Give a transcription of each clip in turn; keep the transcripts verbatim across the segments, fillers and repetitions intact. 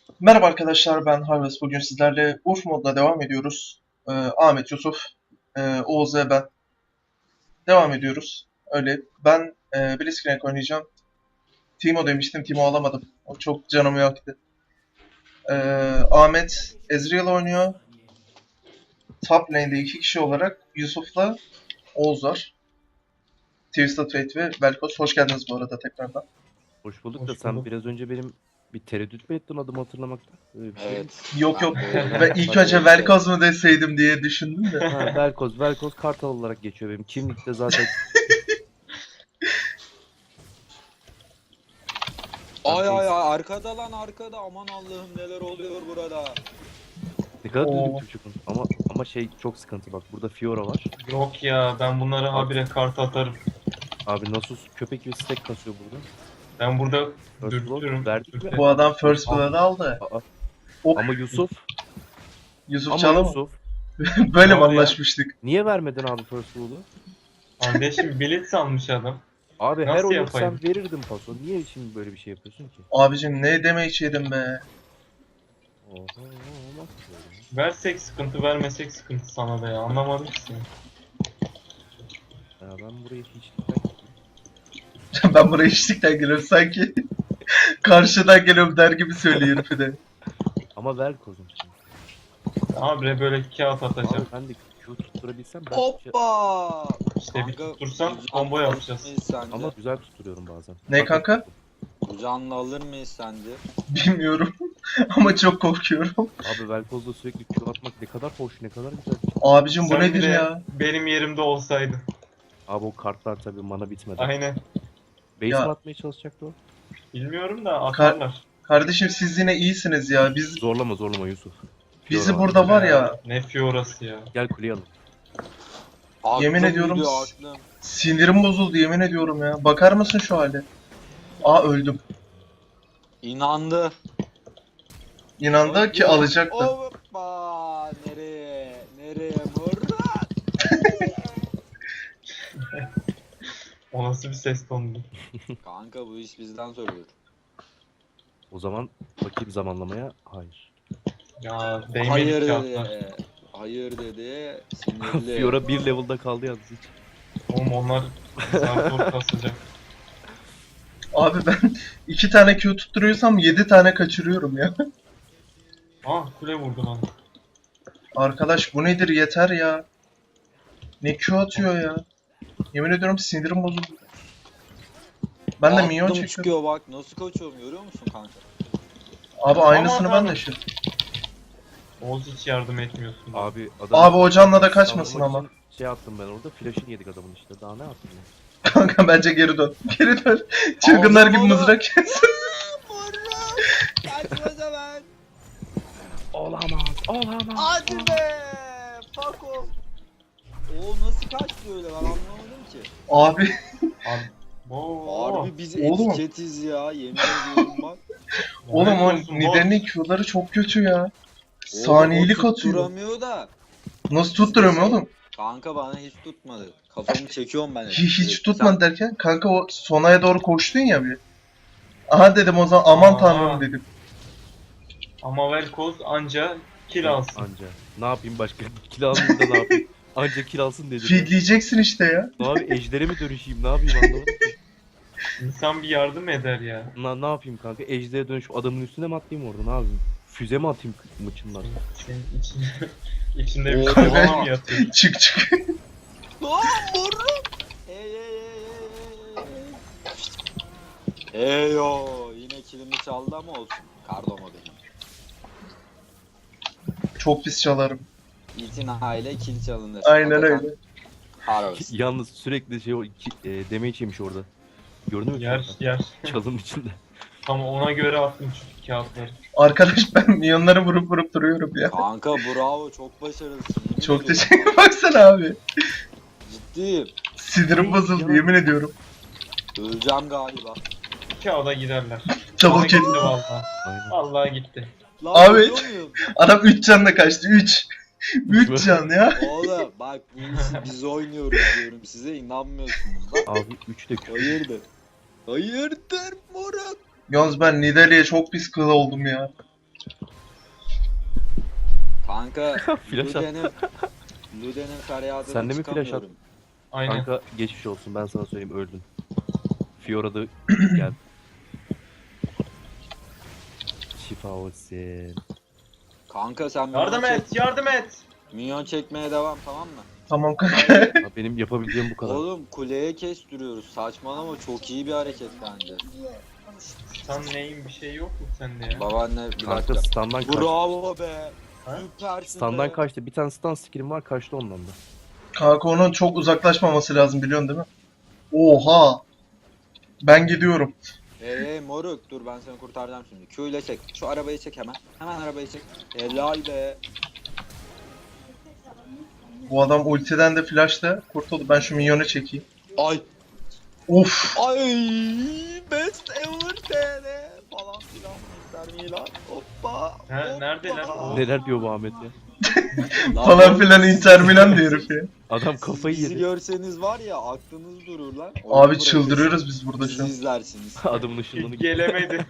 Merhaba arkadaşlar, ben Harvest. Bugün sizlerle Urf moduna devam ediyoruz. Ee, Ahmet, Yusuf, e, Oğuz ve ben devam ediyoruz. Öyle. Ben e, Blitzcrank oynayacağım. Timo demiştim, Timo alamadım. O çok canımı yaktı. Ee, Ahmet, Ezreal oynuyor. Top lane'de iki kişi olarak Yusuf'la Oğuz var. Twisted Fate ve Velkos. Hoş geldiniz bu arada tekrardan. Hoş bulduk da Hoş sen bulduk. biraz önce benim bir tereddüt mü ettin adımı hatırlamakta? Öyle bir şey mi? Evet. Yok Ben yok, de- ve ilk Hadi önce öyle. Velkos mu deseydim diye düşündüm de. Ha, Velkoz, Velkoz Kartal olarak geçiyor benim. Kimlikte zaten. Ay ay ay arkada lan arkada, aman Allah'ım neler oluyor burada. Ne kadar Oo. düzgün Türkçe konuş- Ama ama şey çok sıkıntı bak. Burada Fiora var. Yok ya, ben bunlara habire kart atarım. Abi Nasus köpek gibi stack kasıyor burada. Ben burada First dürtürüm. blood verdik mi? dürtürüm. Bu adam First Blood'ı aldı. Aa, O ama Yusuf, Yusuf ama Çalım. Yusuf. Böyle mi Ne oluyor? anlaşmıştık? Niye vermedin abi First Blood'u? Kardeşim Blitz almış adam. Abi her Nasıl oyun yapayım? sen verirdin paso. Niye şimdi böyle bir şey yapıyorsun ki? Abicim ne demek yedim be. Oho, olmaz böyle. Versek sıkıntı, vermesek sıkıntı sana da ya. Anlamadım ki seni. Ya ben burayı hiç dikkat etmedim. Ben buraya eşlikten geliyorum sanki. Karşıdan geliyorum der gibi söylüyor herifi de. Ama Velkoz'um şimdi. Habire böyle kağıt Abi atacağım. ben de Q tutturabilsem ben Hoppa. İşte bir Kanka, tutursan güzel combo alır yapacağız. mıyız sence? ama güzel tutturuyorum bazen. Ne Bak, kanka? Bu canlı alır mıyız sence? Bilmiyorum. Ama çok korkuyorum. Abi Velkoz'da sürekli Q atmak ne kadar hoş, ne kadar güzel. Abicim bu Sen nedir bile ya? benim yerimde olsaydın. Abi o kartlar tabii mana bitmedi. Aynen. Base Ya. mi atmaya çalışacaktı o? Bilmiyorum da atarlar. Kardeşim siz yine iyisiniz ya. Biz Zorlama zorlama Yusuf. bizi Fiora burada var ya Ne fiorası ya. Gel kuleye alın. Aklım Yemin ediyorum gidiyor, s- aklım. sinirim bozuldu yemin ediyorum ya. Bakar mısın şu hale? Aa öldüm. İnandı. İnandı ki alacaktı. Hoppa. Nereye? Nereye Murat? O nasıl bir ses tonuydu? Kanka bu iş bizden söylüyor. O zaman bakayım zamanlamaya. Hayır. Ya değmedik Hayır kağıtlar. dedi. Hayır dedi. Sinirli. Fiora bir level'da kaldı yalnız hiç. Oğlum onlar zar zor kasacak. Abi ben iki tane Q tutturuyorsam yedi tane kaçırıyorum ya. Ah kule vurdu bana. Arkadaş bu nedir yeter ya. Ne Q atıyor ya. Yemin ediyorum sinirim bozuldu. Ben de minyon Aklım çekiyorum. çıkıyor bak, nasıl kaçıyorum görüyor musun kanka? Abi aynısını Aman ben de tanrım. yaşıyorum. Oğuz hiç yardım etmiyorsun. Abi adam... Abi o canla da kaçmasın Savunmak ama. için Şey attım ben orada, flash'ını yedik adamın işte. Daha ne yaptım ya? Kanka bence geri dön. Geri dön. Çılgınlar gibi Aldım onu. mızrak kes. Murat! Kaçma zaman! Olamaz, olamaz. Hadi be! Fuck off! O nasıl kaçtı öyle, ben anlamadım ki. Abi Abi. Oo. Harbi biz Oğlum. etiketiz ya, yemin ediyorum bak. oğlum o Lanet olsun, Nidalee Q'ları çok kötü ya. Saniyelik Oğlum, o atıyor. tutturamıyor da. Nasıl tutturuyorum oğlum? Kanka bana hiç tutmadı. Kafamı çekiyorum ben. Hiç, hiç Sen- tutmadı derken kanka o sonaya doğru koştun ya bir. Aha dedim o zaman aman Aa. tanrım dedim. Ama Velkoz anca kill alsın. Anca. Ne yapayım başka? Kill almayayım da ne yapayım? Anca kill alsın dedim. Feedleyeceksin işte ya. Ne abi ejdere mi dönüşeyim? Ne yapayım anlamadım ki. İnsan bir yardım eder ya. Na, ne yapayım kanka? Ejdere dönüş adamın üstüne mi atlayayım orada? Ne yapayım? Füze mi atayım mıçımdan? Senin içinde, içinde bir Oo. kovala mı yatıyor? Çık çık. Lan Murat! Ey ey ey ey ey. Eyo, yine kilimi çaldı ama olsun. Kardomo benim. Çok pis çalarım. İtinayla kill çalınır. Aynen Hakikaten öyle. Harvest. Yalnız sürekli şey o iki, e, damage yemiş orada. Gördün mü? Yer yer. Çalın içinde. Tam ona göre attım çünkü kağıtları. Arkadaş ben milyonları vurup vurup duruyorum ya. Kanka bravo, çok başarılısın. Yemin Çok ediyorum. teşekkür baksana abi. Ciddiyim. Sinirim bozuldu yemin ediyorum. Öleceğim galiba. Kağıda giderler. Double Bana kill. gitti vallahi. Aynen. Vallahi gitti. Lan Abi. ölüyor muyum? Adam üç canla kaçtı üç. üç can ya. Oğlum bak bu işi biz oynuyoruz diyorum size, inanmıyorsunuz da. Abi üç de kötü. Hayırdır? Hayırdır Murat? Yalnız ben Nidalee'ye çok pis kıl oldum ya. Kanka Flash at. Luden'in Luden'in feryadını Sen de mi flash at? çıkamıyorum. Aynen. Kanka geçmiş olsun, ben sana söyleyeyim, öldün. Fiora da gel. Şifa olsun. Kanka sen Yardım minyon, et, yardım et. minyon çekmeye devam, tamam mı? Tamam kanka. Ya benim yapabileceğim bu kadar. Oğlum kuleye kestiriyoruz. Saçmalama, çok iyi bir hareket bence. Sen neyin bir şey yok mu sende ya? Babaanne bir Kanka dakika. standdan kaçtı. Bravo be. Ha? Süpersin Standdan be. kaçtı. Bir tane stand skill'im var, kaçtı ondan da. Kanka onun çok uzaklaşmaması lazım biliyorsun değil mi? Oha. Ben gidiyorum. Hey hey moruk, dur ben seni kurtaracağım şimdi. Q ile çek. Şu arabayı çek hemen. Hemen arabayı çek. Helal be. Bu adam ultiden de flash'ta kurtuldu. Ben şu minyonu çekeyim. Ay. Of. Ay. Best ever T R falan filan. Inter Milan. Hoppa. Ha, hoppa. neredeler? O- Neler diyor bu Ahmet ya? Lan Falan oğlum, filan Inter Milan diyor herif ya. Adam kafayı Bizi yedi. görseniz var ya aklınız durur lan. Abi Oyunu çıldırıyoruz biz burada bırakırsınız, şu an. Siz izlersiniz. Adamın ışınlığını Gelemedi.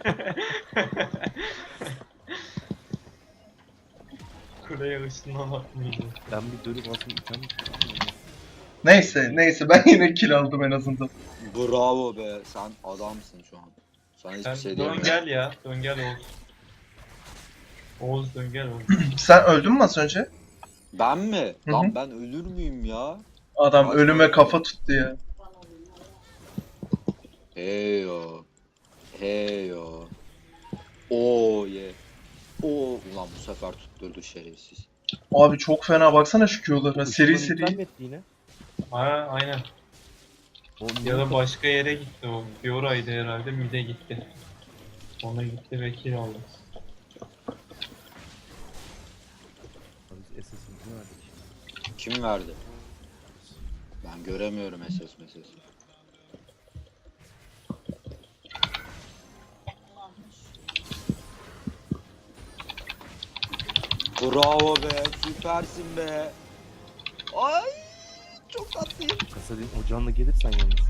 Kuleye ışınlamak mıydı? Ben bir dönüp aslında item... Neyse neyse ben yine kill aldım en azından. Bravo be, sen adamsın şu an. Sana hiçbir Sen şey dön diyemem. gel ya, dön gel Oğuz. Oğuz dön gel Oğuz. Sen öldün mü az önce? Ben mi? Hı Lan hı. ben ölür müyüm ya? Adam Kaç ölüme tane? kafa tuttu ya. Heyo. Heyo. Oo ye. Oo ulan bu sefer tutturdu şerefsiz. Abi çok fena baksana şu Q'lara. Seri Işınlığını iptal seri. mi etti yine? Ha, aynen. O Ya da başka yere gitti o. Fiora'ydı herhalde, mid'e gitti. Ona gitti ve kill aldı. Biz S S'imizi verdik. Kim verdi? Ben göremiyorum S S M S S. Bravo be, süpersin be. Ay çok tatlıyım. Kasadin ocağınla gelirsen yalnız.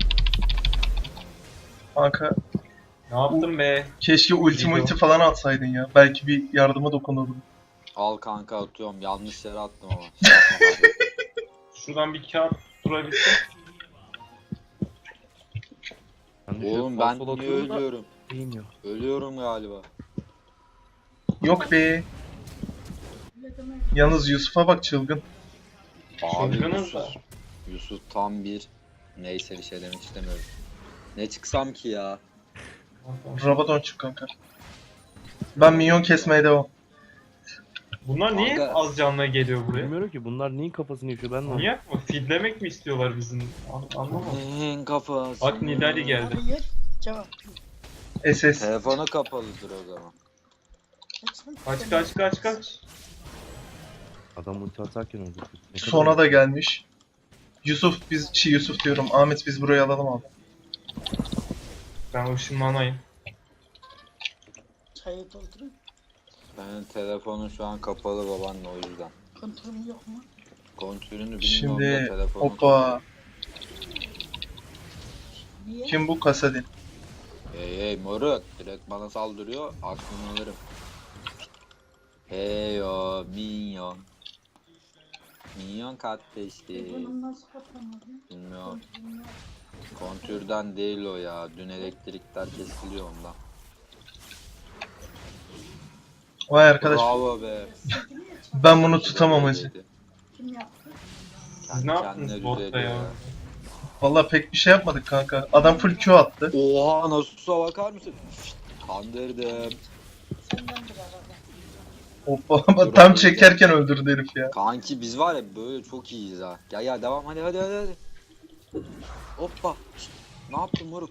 Kanka Ne yaptın be? keşke ulti Video. multi falan atsaydın ya. Belki bir yardıma dokunurdum. Al kanka atıyorum. Yanlış yere attım ama. Şuradan bir kağıt durabilsin. Ben de şöyle Oğlum sağ ben sola niye atıyorum da ölüyorum? değmiyor. Ölüyorum galiba. Yok be. Yalnız Yusuf'a bak çılgın. Abi Çılgınız da. Yusuf, Yusuf tam bir neyse bir şey demek istemiyorum. Ne çıksam ki ya? Rabadon çık kanka. Ben minyon kesmeye devam. Bunlar niye Kanka. az canlı geliyor buraya? Bilmiyorum ki bunlar neyin kafasını yaşıyor ben de anlamadım. Manyak mı? Feedlemek mi istiyorlar bizim? An- Anlamadım. En kafası. Bak Nidali geldi. Hayır. Cevap. S S. Telefonu kapalıdır o zaman. Kaç kaç kaç kaç. Adam ulti atarken öldü. Ne kadar- Sona da gelmiş. Yusuf biz şey Yusuf diyorum. Ahmet biz burayı alalım abi. Ben ışınlanayım. Çayı doldurun. Benim telefonum şu an kapalı babanla o yüzden. Kontrolüm yok mu? Kontürünü bilmiyorum Şimdi da telefonum hoppa. Niye? Kim bu Kasadin? Hey hey moruk direkt bana saldırıyor aklını alırım. Heyo minyon. Minyon kardeşti. Bunu nasıl kapamadın? Bilmiyorum. Kontrolüm yok. Kontürden değil o ya. Dün elektrikler kesiliyor ondan. Vay arkadaş. Bravo be. Ben bunu tutamam hacı. Kim yaptı? Siz ne yaptınız botta ya? Vallahi pek bir şey yapmadık kanka. Adam full Q attı. Oha Nasus'a bakar mısın? Şşt, kandırdım. Senden bir arada. Hoppa tam çekerken öldürdü herif ya. Kanki biz var ya böyle çok iyiyiz ha. Gel gel devam hadi hadi hadi hadi. Hoppa. Şşt, ne yaptın moruk?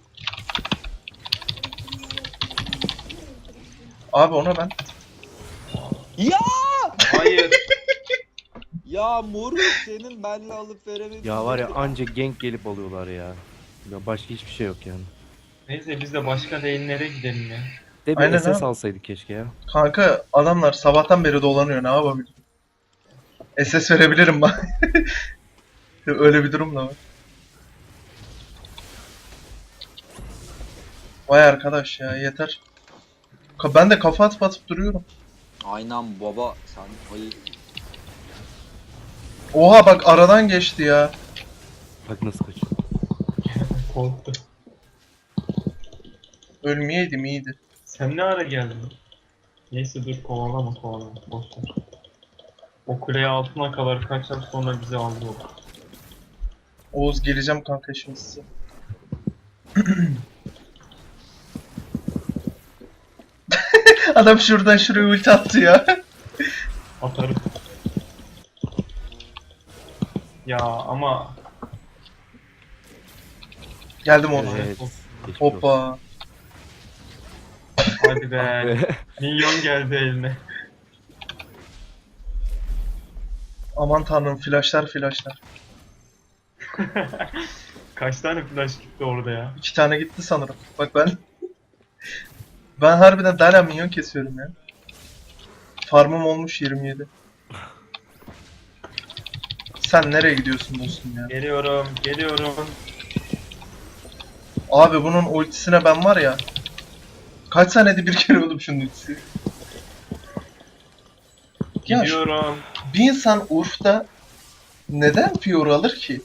Abi ona ben. Ya! Hayır. Ya moruk senin benle alıp veremediğin. Ya var ya anca gank gelip alıyorlar ya. Ya başka hiçbir şey yok yani. Neyse biz de başka lane'lere gidelim ya. De bir Aynen S S abi. alsaydık keşke ya. Kanka adamlar sabahtan beri dolanıyor ne yapabilirim? S S verebilirim ben. Öyle bir durum da var. Vay arkadaş ya yeter. Ka- Ben de kafa atıp atıp duruyorum. Aynen baba sen ayı. Oha bak aradan geçti ya. Bak nasıl kaçıyor. Korktu. Ölmeyeydim iyiydi. Sen ne ara geldin? Neyse dur kovalama kovalama. Boş ver. O kuleye altına kadar kaçar sonra bizi aldı o. Oğuz geleceğim kanka şimdi size. Adam şuradan şuraya ulti attı ya. Atarım. Ya ama Geldim Oğuz. Evet. Geçmiş olsun. Hoppa. hadi be. Minyon geldi eline. Aman tanrım flashlar flashlar. Kaç tane flash gitti orada ya? İki tane gitti sanırım. Bak ben... ben harbiden hala minyon kesiyorum ya. Farmım olmuş yirmi yedi. Sen nereye gidiyorsun dostum ya? Geliyorum, geliyorum. Abi bunun ultisine ben var ya. Kaç saniyede bir kere oldum şunun ultisi. Ya şu- Gidiyorum. bir insan Urf'ta neden Fiora alır ki?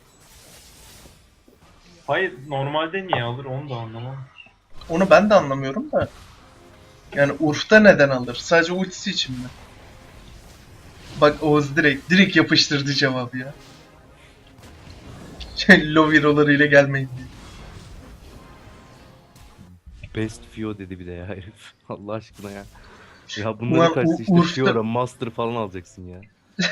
Hayır, normalde niye alır onu da anlamam. Onu ben de anlamıyorum da. Yani Urf'ta neden alır? Sadece ultisi için mi? Bak Oğuz direkt, direkt yapıştırdı cevabı ya. Şey, Loviro'larıyla gelmeyin diye. Best Fio dedi bir de ya herif. Allah aşkına ya. Ya Ulan bunların karşısında işte Urf'ta- Fiora, Master falan alacaksın ya.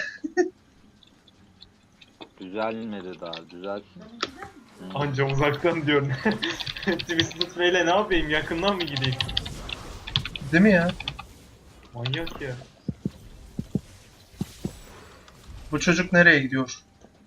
Düzelmedi daha düzel. Hmm. Anca uzaktan diyorum. Twisted Fate'le ne yapayım? Yakından mı gideyim? Değil mi ya? Manyak ya. Bu çocuk nereye gidiyor?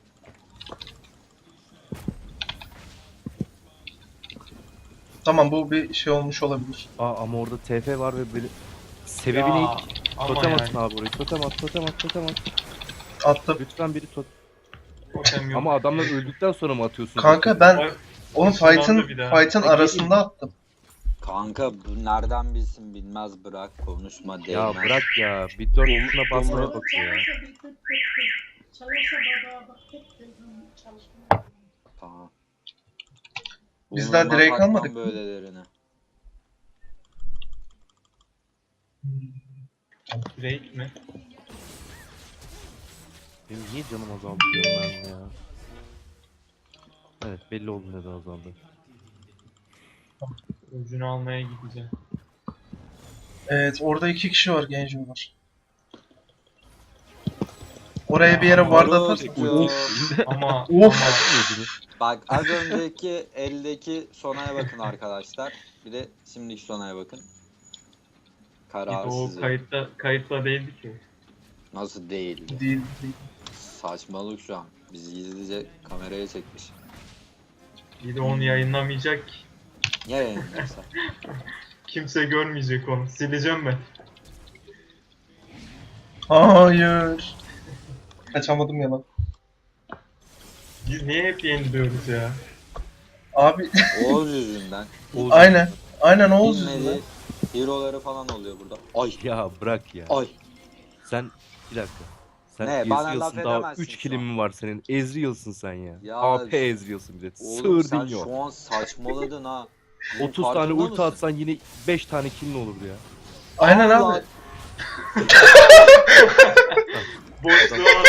Tamam bu bir şey olmuş olabilir. Aa ama orada T F var ve böyle... Sebebi ne? Ya, ama Totem yani. atın abi orayı. Totem at, totem at, totem at. Attım. Lütfen biri tot... Totem yok. Ama adamlar öldükten sonra mı atıyorsun? Kanka ben Ay, onun ışınlandı fight'ın bir daha. fight'ın Peki, arasında attım. Kanka bu nereden bilsin bilmez bırak konuşma değmez. Ya bırak ya. Bir dört tuşuna basmaya Baba bakıyor ya. çalışsa bir tık tık tık. Çalışsa baba bak tek gözüm çalışmıyor. Tamam. Biz daha Burnuma direkt takmam almadık mı? böylelerini. Drake mi? Benim niye canım azaldı diyorum ben ya. Evet belli oldu neden azaldı. Ucunu almaya gideceğim. Evet orada iki kişi var genç var. Oraya bir yere ward Orospu. atarsın. Ama Of. ama Bak az önceki eldeki Sona'ya bakın arkadaşlar. Bir de şimdiki Sona'ya bakın. Karar o sizin. kayıtta kayıtla değildi ki. Nasıl değildi? Değil, değil. Saçmalık şu an. Bizi gizlice kameraya çekmiş. Bir de onu yayınlamayacak ki. Niye yayınlıyorsa? Kimse görmeyecek onu. Sileceğim ben. Hayır. Kaçamadım ya lan. Biz niye hep yeniliyoruz ya? Abi Oğuz yüzünden. Oğuz- aynen. Aynen Oğuz yüzünden. Bilmediği hero'ları falan oluyor burada. Ay Ya bırak ya. ay. Sen bir dakika. Sen Ne, bana laf Ezreal'sın daha edemezsin üç şu kilin an. mi var senin? Ezreal'sın sen ya. Ya- A P Ezreal'sın bir de. Oğlum sen Sığırdın yok. şu an saçmaladın ha. Bunun otuz tane farkında ulti mısın? atsan yine beş tane killin olurdu ya. Aynen Allah. abi. Boşluğa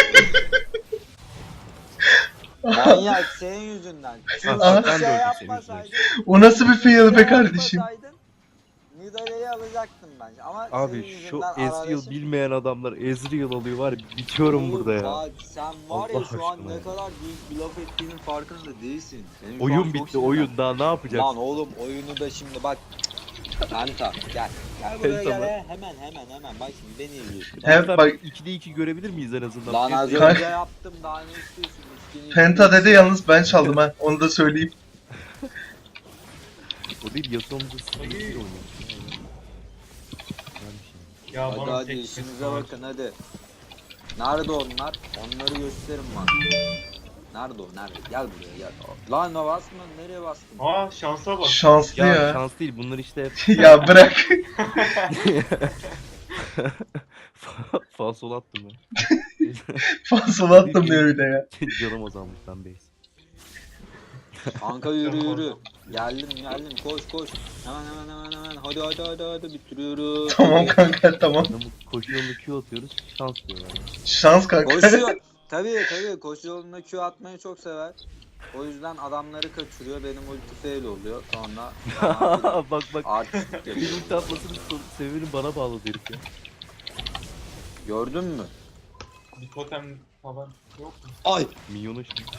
Manyak senin yüzünden. Çünkü Ah, bir ben de şey öldüm senin yapmasaydın. O nasıl bir fail be şey kardeşim? yapmasaydın, Nidalee'yi alacaktım bence ama Abi senin şu yüzünden Ezreal arkadaşım- bilmeyen adamlar Ezreal alıyor var ya bitiyorum Oğlum burada ya. Bak sen var ya Allah şu an aşkına ne ya. kadar büyük bir laf ettiğinin farkında değilsin. Senin şu an Oyun çok bitti sinirlen- oyun daha ne yapacaksın? Lan oğlum oyunu da şimdi bak. Penta gel. Gel buraya Penta gel. mı? he. Hemen hemen hemen bak şimdi beni izliyorsun. Evet, Lütfen bak- ikide iki görebilir miyiz en azından? Lan az Penta- önce yaptım daha ne istiyorsun? İçkini Penta içiyorsun. dedi yalnız ben çaldım ha. Onu da söyleyeyim. O değil Yasuo'muzda sıkıntıyla oynuyor. Güzel bir şey. ya Hadi bana hadi tek işinize bakın hadi. Nerede onlar? Onları gösterin bana. Nerede o? Nerede? Gel buraya gel. Lan o basma nereye bastın? Aa şansa bak. Şanslı Ya, ya. şans değil bunlar işte Ya bırak. Falsol attım ben. Fazla attım diyor bir de ya. Canım azalmış lan base. Kanka yürü yürü. Geldim geldim koş koş. Hemen hemen hemen hemen. Hadi hadi hadi hadi bitiriyoruz. Tamam kanka tamam. Adamı koşu yolunu Q atıyoruz. Şans diyorlar. Şans kanka. Koşuyor. Tabii tabii koşu yolunda Q atmayı çok sever. O yüzden adamları kaçırıyor. Benim ulti fail oluyor. Sonra bak bak. artistik Bir yapıyor. ulti atmasının son- sebebini bana bağladı herif ya. Gördün mü? Bir totem falan yok mu? Ay. Minyonu şimdi.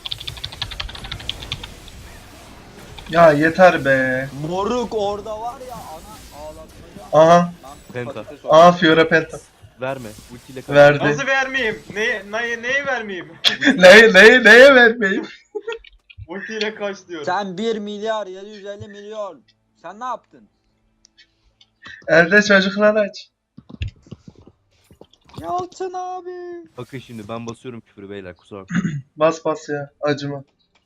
Ya yeter be. Moruk orada var ya ana ağlatmaca. Aha. Ben Penta. patates Aha oldum. Fiora Penta. Verme. Ultiyle kaç. Verdi. Nasıl vermeyeyim? Neye, neye, neyi vermeyeyim? Neye, neye, neye vermeyeyim? Ultiyle kaç diyorum. Sen bir milyar yedi yüz elli milyon. Sen ne yaptın? Elde çocuklar aç. Yalçın abi. Bakın şimdi ben basıyorum küfürü beyler kusura bakmayın. Bas bas ya. Acıma.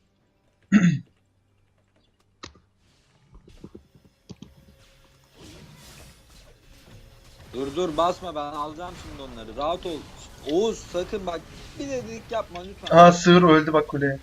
Dur dur basma ben alacağım şimdi onları. Rahat ol. Oğuz sakın bak bir dedik yapma lütfen. Aha sığır öldü bak kuleye.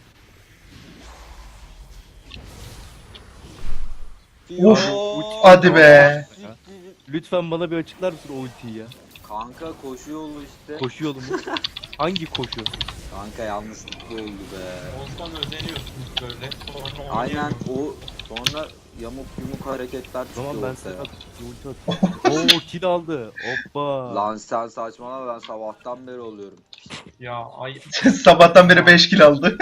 Fiyo. Uf, hadi be. Lütfen bana bir açıklar mısın o ultiyi ya? Kanka koşu yolu işte. Koşu yolu mu? Hangi koşu? Kanka yanlışlıkla oldu be. Olsan özeniyorsunuz böyle. Sonra Aynen oynayamıyorsun. o sonra yamuk yumuk hareketler O çıkıyor zaman ben ortaya. sana bir ulti atayım. Oo kill aldı. Hoppa. Lan sen saçmalama ben sabahtan beri oluyorum. Ya ay Sabahtan beri beş kill aldı.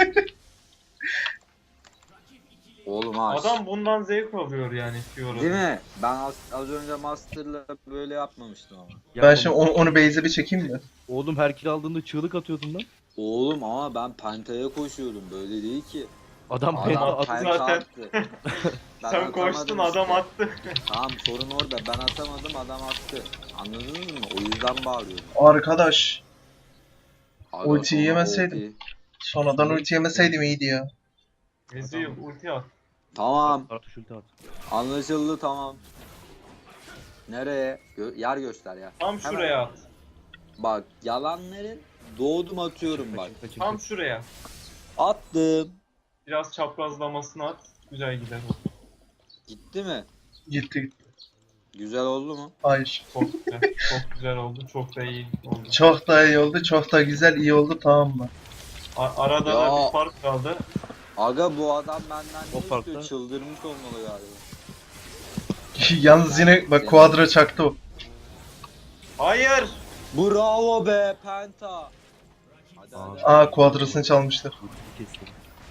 Oğlum ha. adam bundan zevk alıyor yani Fiora. Değil mi? Ben az, az önce Master'la böyle yapmamıştım ama. Ya Ben oğlum- şimdi onu, onu base'e bir çekeyim mi? Oğlum her kill aldığında çığlık atıyordun lan. Oğlum ama ben Penta'ya koşuyordum böyle değil ki. Adam Adam penta Adam attı. zaten. Penta attı. Ben Sen atamadım koştun işte. adam attı. Tamam sorun orada ben atamadım adam attı. Anladınız mı? O yüzden bağırıyorum. Arkadaş. Aga, Ultiyi sonra yemeseydim. ulti. Sonradan ulti yemeseydim iyiydi ya. Ezreal ulti at. Tamam Kartuş ulti at. anlaşıldı tamam. Nereye? Gö- yer göster ya. Tam Hemen. şuraya at. Bak yalanların doğdum atıyorum bak. Kaçın, kaçın, Tam kaçın. şuraya. Attım. Biraz çaprazlamasını at. Güzel gider o. Gitti mi? Gitti gitti. Güzel oldu mu? Hayır. Çok güzel. Çok güzel oldu. Çok da iyi oldu. Çok da iyi oldu. Çok da güzel iyi oldu tamam mı? A- arada Ya. da bir fark kaldı. Aga bu adam benden O ne farklı. istiyor? Çıldırmış olmalı galiba. Yalnız yine bak Quadra çaktı o. Hayır. Bravo be Penta. Hadi Aa. hadi. Aa Quadra'sını çalmışlar. Ulti kestim.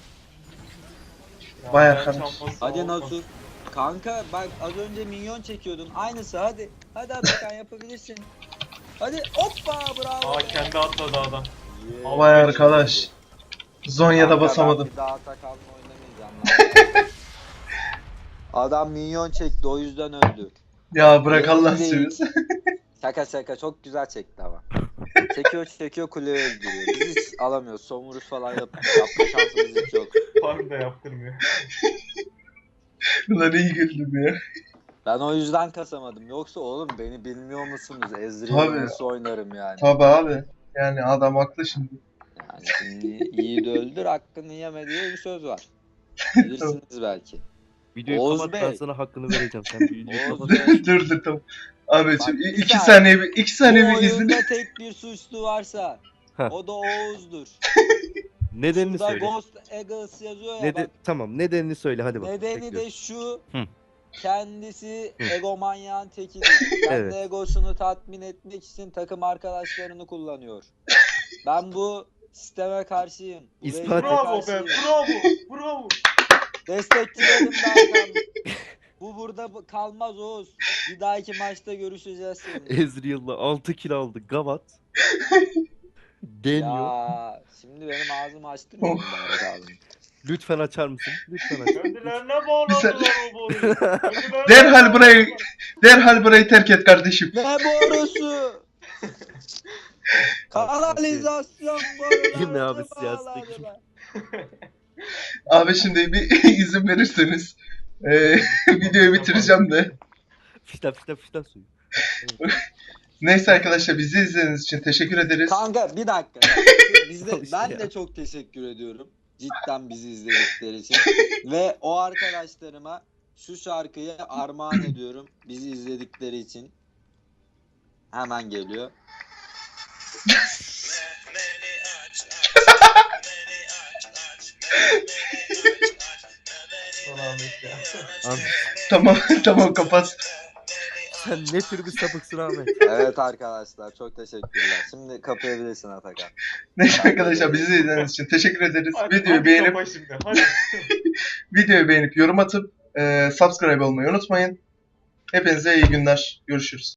Ya, Vay ben arkadaş. çalması Hadi olmaz. Nasus. Kanka bak az önce minyon çekiyordun. Aynısı hadi. Hadi Atakan yapabilirsin. Hadi hoppa bravo. Aa be. kendi atladı adam. Yeah. Vay arkadaş. Zonya'da Kanka, basamadım. Ben bir daha Atakan'la oynamayacağım. lan. Adam minyon çekti o yüzden öldü. Ya bırak Yemin Allah değil. seversen. Şaka şaka çok güzel çekti ama. Çekiyor çekiyor kuleyi öldürüyor. Biz hiç alamıyoruz. Somuruz falan yap yapma şansımız hiç yok. Farm da yaptırmıyor. Ulan iyi güldüm ya. Ben o yüzden kasamadım. Yoksa oğlum beni bilmiyor musunuz? Ezreal Tabii. nasıl oynarım yani. Tabi abi. Yani adam haklı şimdi. Yani şimdi iyi de öldür hakkını yeme diye bir söz var. Bilirsiniz belki. Videoyu Oğuz kapat Bey. ben sana hakkını vereceğim. Sen videoyu Oğuz kapat. Bey. dur dur tamam. Abi Bak, şimdi bir iki saniye. saniye bir iki saniye Bu bir izin. oyunda tek bir suçlu varsa Heh. o da Oğuz'dur. Nedenini Şurada söyle. Ghost Eagles yazıyor ya Neden bak. tamam nedenini söyle hadi bak. Nedeni bekliyorum. de şu. Hı. Kendisi Hı. egomanyağın tekidir. Kendi Evet. egosunu tatmin etmek için takım arkadaşlarını kullanıyor. Ben bu sisteme karşıyım. Bu İspat rejime et. Bravo be. karşıyım. Bravo. Bravo. Destekçilerim de Hakan. Bu burada bu- kalmaz Oğuz. Bir dahaki maçta görüşeceğiz seninle. Ezreal'la altı kill aldı. Gavat. Deniyor. Ya şimdi benim ağzımı açtırmıyor mu Berat abi? Lütfen açar mısın? Lütfen aç. Kendilerine bağladılar o boruyu. Kendilerine Derhal burayı bağladılar. derhal burayı terk et kardeşim. Ne borusu? Kanalizasyon boruları. Yine abi siyasi bağladılar. Abi şimdi bir izin verirseniz eee videoyu bitireceğim de. Fişten fişten fişten suyu. Neyse arkadaşlar bizi izlediğiniz için teşekkür ederiz. Kanka bir dakika. Biz de, Al işte ben ya. de çok teşekkür ediyorum. Cidden bizi izledikleri için. Ve o arkadaşlarıma şu şarkıyı armağan ediyorum. Bizi izledikleri için. Hemen geliyor. Ahmet ya. Ahmet, Tamam tamam kapat. sen ne tür bir sapıksın Ahmet? Evet arkadaşlar çok teşekkürler. Şimdi kapayabilirsin Atakan. Neyse arkadaşlar bizi izlediğiniz için teşekkür ederiz. Hadi, Videoyu hadi beğenip kapa şimdi. Hadi. videoyu beğenip yorum atıp e, subscribe olmayı unutmayın. Hepinize iyi günler. Görüşürüz.